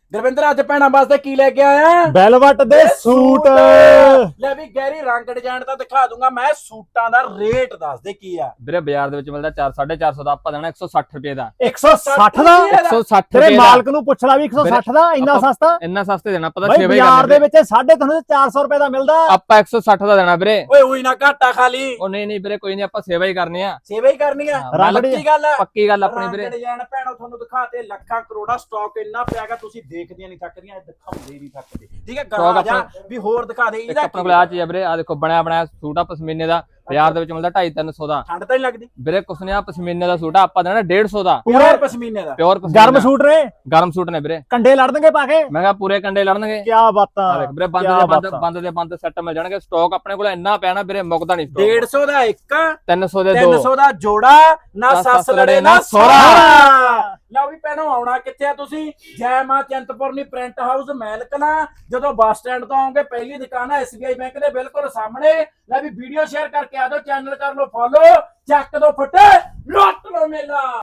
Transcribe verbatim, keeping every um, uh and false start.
ਗੁਰਵਿੰਦਰ ਅੱਜ ਭੈਣਾਂ ਵਾਸਤੇ ਕੀ ਲੈ ਕੇ ਆਇਆ? ਵੈਲਵਟ ਦੇ ਸੂਟ। ਲੈ ਵੀ ਗੈਰੀ ਰੰਗ ਡਿਜ਼ਾਈਨ ਤਾਂ ਦਿਖਾ ਦੂੰਗਾ ਮੈਂ, ਸੂਟਾਂ ਦਾ ਰੇਟ ਦੱਸ ਦੇ ਕੀ ਆ। ਵੀਰੇ ਬਾਜ਼ਾਰ ਦੇ ਵਿੱਚ ਮਿਲਦਾ ਚਾਰ ਸਾਢੇ ਚਾਰ ਸੌ ਦਾ, ਆਪਾਂ ਦੇਣਾ ਇੱਕ ਸੌ ਸੱਠ ਰੁਪਏ ਦਾ। ਇੱਕ ਸੌ ਸੱਠ ਦਾ? ਇੱਕ ਸੌ ਸੱਠ ਤੇਰੇ ਰੁਪਏ ਦਾ। ਮਾਲਕ ਨੂੰ ਪੁੱਛ ਲਾ ਵੀ ਇੱਕ ਸੌ ਸੱਠ ਦਾ ਇੰਨਾ ਸਸਤਾ? ਇੰਨਾ ਸਸਤੇ ਦੇਣਾ, ਪਤਾ ਬਈ ਸੇਵਾ ਹੀ ਬਾਜ਼ਾਰ ਦੇ ਕਰਨੀ ਵਿੱਚ ਸਾਢੇ ਤਿੰਨ ਸੌ ਚਾਰ ਸੌ ਰੁਪਏ ਦਾ ਮਿਲਦਾ, ਆਪਾਂ ਇੱਕ ਸੌ ਸੱਠ ਦਾ ਦੇਣਾ ਵੀਰੇ। ਓਏ ਉਹੀ ਨਾ ਘਾਟਾ ਖਾਲੀ। ਉਹ ਨਹੀਂ ਨਹੀਂ ਵੀਰੇ ਕੋਈ ਨਹੀਂ, ਆਪਾਂ ਸੇਵਾ ਹੀ ਕਰਨੀ ਆ, ਸੇਵਾ ਹੀ ਕਰਨੀ ਆ। ਰੰਗ ਪੱਕੀ ਗੱਲ ਆ, ਪੱਕੀ ਗੱਲ ਆਪਣੀ ਰੰਗ ਵੀਰੇ। ਡਿਜ਼ਾਈਨ ਭੈਣੋ ਤੁਹਾਨੂੰ ਦਿਖਾਤੇ, ਲੱਖਾਂ ਕਰੋੜਾਂ ਸਟਾਕ ਇੰਨਾ ਪਿਆਗਾ, ਤੁਸੀਂ ਦੇਖਦੀਆਂ ਨਹੀਂ ਥੱਕਦੀਆਂ, ਇਹ ਦਿਖਾਉਂਦੇ ਨਹੀਂ ਥੱਕਦੇ। ਠੀਕ ਹੈ ਗਾਣਾ ਜਾ ਵੀ ਹੋਰ ਦਿਖਾ ਦੇ ਇੱਕ ਇਹਦਾ ਆਪਣੇ ਕੋਲ ਆ ਚੀਜ਼ ਆ ਵੀਰੇ, ਆ ਦੇਖੋ ਬਣਿਆ ਬਣਾਇਆ ਸੂਟ ਆ ਪਸ਼ਮੀਨੇ ਦਾ, ਬਾਜ਼ਾਰ ਦੇ ਵਿੱਚ ਮਿਲਦਾ ਢਾਈ ਤਿੰਨ ਸੌ ਦਾ। ਠੰਡ ਤਾਂ ਨਹੀਂ ਲੱਗਦੀ ਵੀਰੇ ਕੁਛ ਨੇ ਆ ਪਸ਼ਮੀਨੇ ਦਾ ਸੂਟ ਆ, ਆਪਾਂ ਦੇਣਾ ਡੇਢ ਸੌ ਦਾ। ਪੂਰੇ ਪਸ਼ਮੀਨੇ ਦਾ ਪਿਓਰ ਗਰਮ ਸੂਟ ਨੇ, ਗਰਮ ਸੂਟ ਨੇ ਵੀਰੇ, ਕੰਡੇ ਲੜ ਦੇਣਗੇ ਪਾ ਕੇ। ਮੈਂ ਕਿਹਾ ਪੂਰੇ ਕੰਡੇ ਲੜਨਗੇ। ਕੀ ਬਾਤਾਂ ਆ ਦੇਖ ਵੀਰੇ, ਬੰਦ ਦੇ ਬੰਦ ਬੰਦ ਦੇ ਬੰਦ ਸੈੱਟ ਮਿਲ ਜਾਣਗੇ। ਸਟਾਕ ਆਪਣੇ ਕੋਲ ਇੰਨਾ ਪਿਆ ਨਾ ਵੀਰੇ, ਮੁੱਕਦਾ ਨਹੀਂ ਸਟਾਕ। ਡੇਢ ਸੌ ਦਾ ਇੱਕ, ਤਿੰਨ ਸੌ ਦੇ ਤਿੰਨ ਦੋ, ਸੌ ਦਾ ਜੋੜਾ, ਨਾ ਨਾ ਸੱਸ ਸੱਸ ਲੜੇ ਲੜੇ ਨਾ ਨਾ ਸੋਹਰਾ। ਲਓ ਵੀ ਭੈਣੋ ਆਉਣਾ ਕਿੱਥੇ ਆ ਤੁਸੀਂ? ਜੈ ਮਾਂ ਚਿੰਤਪੁਰਨੀ ਪ੍ਰਿੰਟ ਹਾਊਸ ਮੈਲਕਨਾ। ਜਦੋਂ ਬੱਸ ਸਟੈਂਡ ਤੋਂ ਆਓਗੇ ਪਹਿਲੀ ਦੁਕਾਨ ਹੈ ਐਸਬੀਆਈ ਬੈਂਕ ਦੇ ਬਿਲਕੁਲ ਸਾਹਮਣੇ। ਲੈ ਵੀ ਵੀਡੀਓ ਸ਼ੇਅਰ ਕਰਕੇ ਆ ਜਾਓ, ਚੈਨਲ ਕਰ ਲਓ ਫੋਲੋ, ਚੱਕ ਦੋ ਫੁੱਟ ਲੁੱਟ ਲਓ ਮੇਲਾ।